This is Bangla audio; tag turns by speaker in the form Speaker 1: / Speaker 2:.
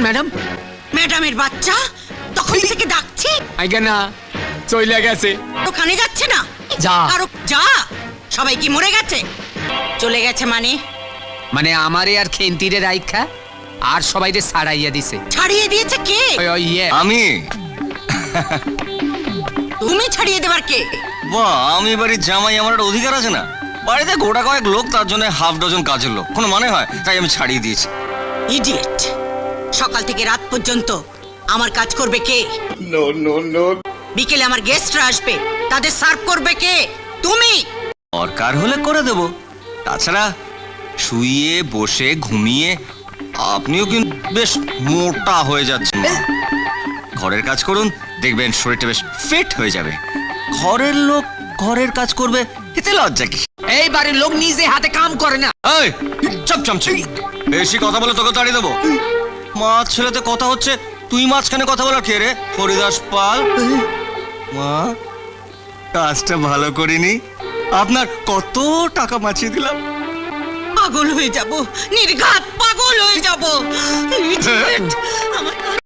Speaker 1: ম্যাডাম?
Speaker 2: ম্যাডামের বাচ্চা তখন থেকে ডাকছে,
Speaker 1: আইগা না, চইলা গেছে।
Speaker 2: ওখানে যাচ্ছে না?
Speaker 1: যা।
Speaker 2: আরো যা। সবাই কি মরে গেছে? চলে গেছে মানে?
Speaker 1: মানে আমারে আর খেন্তিরে রাইখা আর সবাইরে ছাড়াইয়া দিছে।
Speaker 2: ছাড়িয়ে দিয়েছে কে?
Speaker 1: ইয়ে
Speaker 3: আমি।
Speaker 2: তুমি ছাড়িয়ে দেবার কে?
Speaker 3: বাহ, আমি বাড়ির জামাই, আমার একটা অধিকার আছে না? বাড়িতে গোটা কয়েক লোক, তার জন্য হাফ ডজন কাজের লোক, কোনো মানে হয়? তাই আমি ছাড়িয়ে দিয়েছি।
Speaker 2: ইডিয়েট। সকাল থেকে রাত পর্যন্ত আমার কাজ করবে কে? বিকেলে আমার গেস্টরা আসবে, তাদের সার্ভ করবে কে? তুমি।
Speaker 3: দরকার হলে করে দেব। তাছাড়া শুয়ে বসে ঘুমিয়ে আপনিও কিন্তু বেশ মোটা হয়ে যাচ্ছেন। ঘরের কাজ করুন, দেখবেন শরীরটা বেশ ফিট হয়ে যাবে। ঘরের লোক ঘরের কাজ করবে, এতে লজ্জা কি?
Speaker 1: এই বাড়ির লোক নিজে হাতে কাম করে না।
Speaker 3: এই চপ চামচি, বেশি কথা বলে তোকে তাড়িয়ে দেবো। মাছ ছেলেতে কথা হচ্ছে, তুই মাঝখানে কথা বলার কে রে? হরিদাস পাল। মা, কাজটা ভালো করিনি, আপনার কত টাকা বাঁচিয়ে দিলাম।
Speaker 2: পাগল হয়ে যাব, নির্ঘাত পাগল হয়ে যাব। Idiot! আমার